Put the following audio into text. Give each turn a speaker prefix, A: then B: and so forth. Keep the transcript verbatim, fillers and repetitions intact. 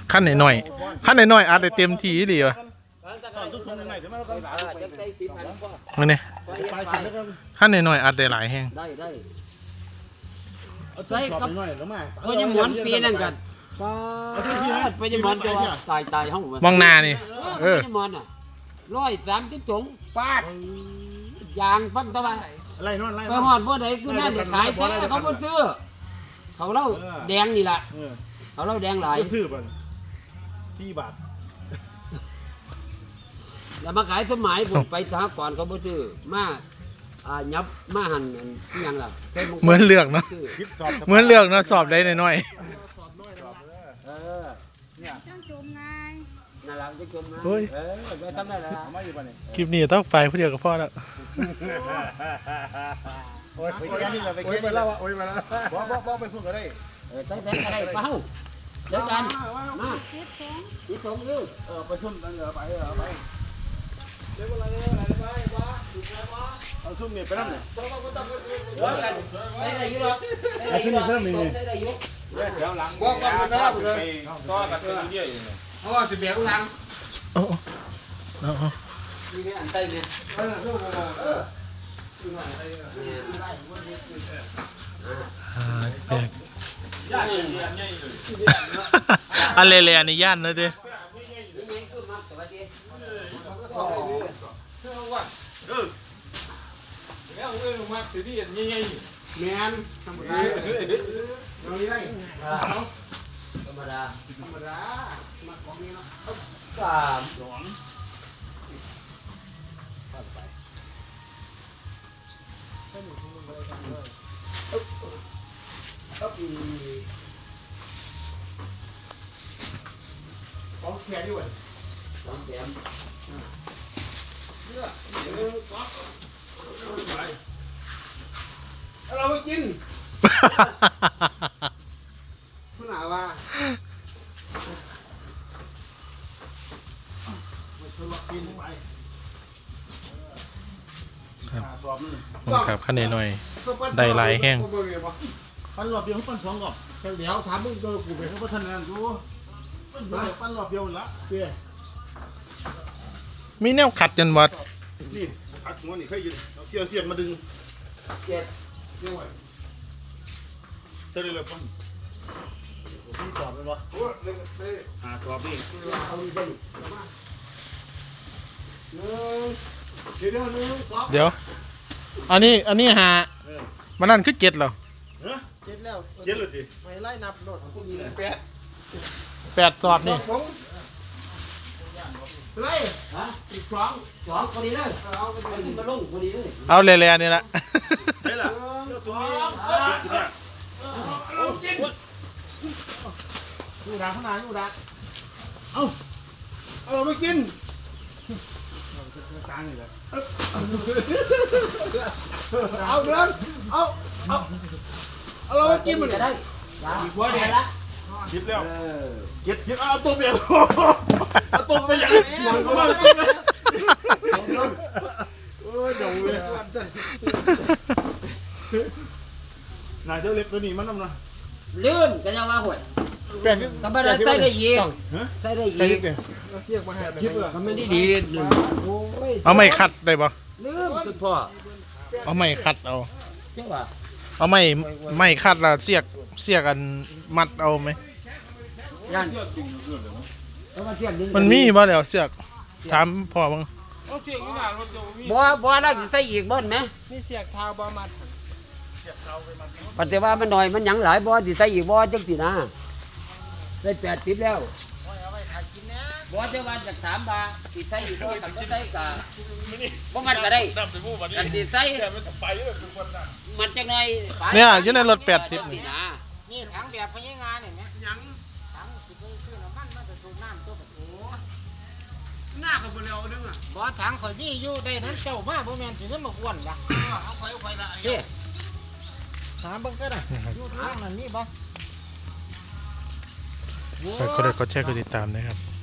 A: ขั้นหน่อยๆขั้นหน่อยๆอัดได้เต็มที่ดีวะมันนี่ขั้นหน่อยๆอัดได้หลายแห้ง
B: ได้ได้ใส่กับพญมอนปีนั่นกันพญมอนจะว่าตายตายห้อง
A: มองหน้านี่เออ
B: พญมอนอ่ะร้อยสามสิบถุงปาดยางฟังตะวันไปหอดบ่ไหนคือนั่นเด็กขายแต่เขาบ่ซื้อเขาเล่าแดงนี่แหละเขาเล่าแดงหลาย
C: ซื้อบ่สี่บาท
B: แล้วมาขายสมัยผมไปสหกรณ์เขาบ่ซื้อมาอ่ายับมาหั่นอีหยังล่ะ
A: เหมือนเลือกเนาะเหมือนเลือกเนาะสอบได้หน่อย
B: เออเนี่ยจังจมไงน่ารักจังจมไงเออไปทำได้แล้ว
A: คลิปนี้ต้องไปผู้เดียวกับพ่อแล้ว
C: โอ้ยไปแค่นี้แหละไปแค่นี้แล้วโอ้ยมาแล้วบ่บ่บ่ไปพูดก็ได้
B: เออตั้งแต่อะไรเป้าเดี๋ยวกันมาอีสองเร็ว
C: เออไปชุ่มนั่นเหรอไปเหรอไปเดี๋ยวอะไรอะไรไปบ้าถูกแล้วบ้าเอาชุ่มเนี่ยไปนั่นเนี่ยต้องต้องต้อง
B: เดี๋ยวกันได้ได้ยุ่งหรอได้ชุ่มเนี่ยเพิ่มอีกได้ได้ยุ่ง
C: เดี๋ยวหลังบอกว่ามันน่าไปต่อกันไปเรื่อยๆเพราะว่าสิเบียร์หลัง
A: โอ้โอ้
B: นี่เนี่ยอันใต้เนี่ยเออเออ
A: อะไรเลยอันนี้ย่านเลยดิ
B: แมนธรรมดาธรรมดาธรรมดามาของนี้เนาะสามสอง
C: ของแขนด้วย
B: สองแถม
C: เราไปกินคุณอาว่า
A: ครับครับขั้นหน่อยได้หลายแห้ง
C: ปั้นหลอบเดียวปั้นสองกอบเดี๋ยวถามมึงเจอกูไปเขาพัฒนาดูปั้นหลอบเดียวละเตี้ย
A: มีแนวขัดจนวัด
C: นี่ขัดหัวนี่เคยยืนเอาเสียเสียมาดึง
B: เจ็ด
C: เรียกว่าเท่าไรเลยปั้นพี่สอบเลยวะโอ้เล่นเต้หาสอบนี่
B: เอาดีได้
C: เดี๋ยวเดี๋ยวนึงสอบ
A: เดี๋ยวอันนี้อันนี้หามันนั่นคือเจ็ดเหรอ
C: เจ็ดแล้วเจ็ดเลยดิไปไล่นับโดดแปด
A: แปดสอบนี่
C: ไล่ฮะอีกสอง
B: สองพอดีเลยเอาไปมาลงพอดีเลย
A: เอาเล่ๆนี่ละ
C: ได้ละสองยูดาข้างหน้ายูดาเอาเอาไม่กินกลางนี่แหละเอาเดินเอาเอาเอาเรากินมัน
B: ได้หัวเดียวละ
C: คิดแล้วเก็บเก็บเอาตัวเบียร์เอาตัวไปอย่างนี้มันก็มาตัวไปโอ้ยเดี๋ยวเลยนายเจ้าเล็บตัวนี้มันน้ำนะ
B: เลื่อนกันยังว่าหวยธรรมดาใส่ได้ยีใส่ได้ยี
C: เสียกมาแหบ
B: มันไม่ได้ดี
A: เอาไม่คัดได้ปะ
B: เลื่อนคุณพ่อ
A: เอาไม่คัดเอา
B: ใช่ป่ะ
A: เอาไม่ไม่คัดละเสียกเสียกันมัดเอาไหมมันมีบ่เดี๋ยวเสียกถามพ่อบ้าง
B: บ่บ่ได้ใส่อีกบ่นไหม
C: นี่เสียกเท้าบ่มัด
B: ปัจจุบันมันหน่อยมันยังหลายบ่สิใส่อีกบ่จังสินะได้แปดสิบแล้วบ่เจ้าวันจากสามบาทสิใส่อีกบ่ทำก็ใส่กะบ่มันก็ได้กันสิใส่มันจังหน่อย
A: เนี่ยอยู่ในรถแปดสิบ
B: นี่ถังแบบพญางานเนี่ยยังถังสิไปซื้อน้ำมันมันจะสูบน้ำตัวแบบโอ้
C: หน้ากับเบลล์นึงอ่ะ
B: บ่ถังข่อยนี่อยู่ได้นั้นเจ้ามาบ่แม่นสิเงินมาอ้วนล่ะ
C: เอาไปเอาไปละ
B: เด้ถามเบิ่งก็ได้อยู่ทางนั้นมีบ่
A: ก็ได้ก็แชร์ก็ติดตามนะครับ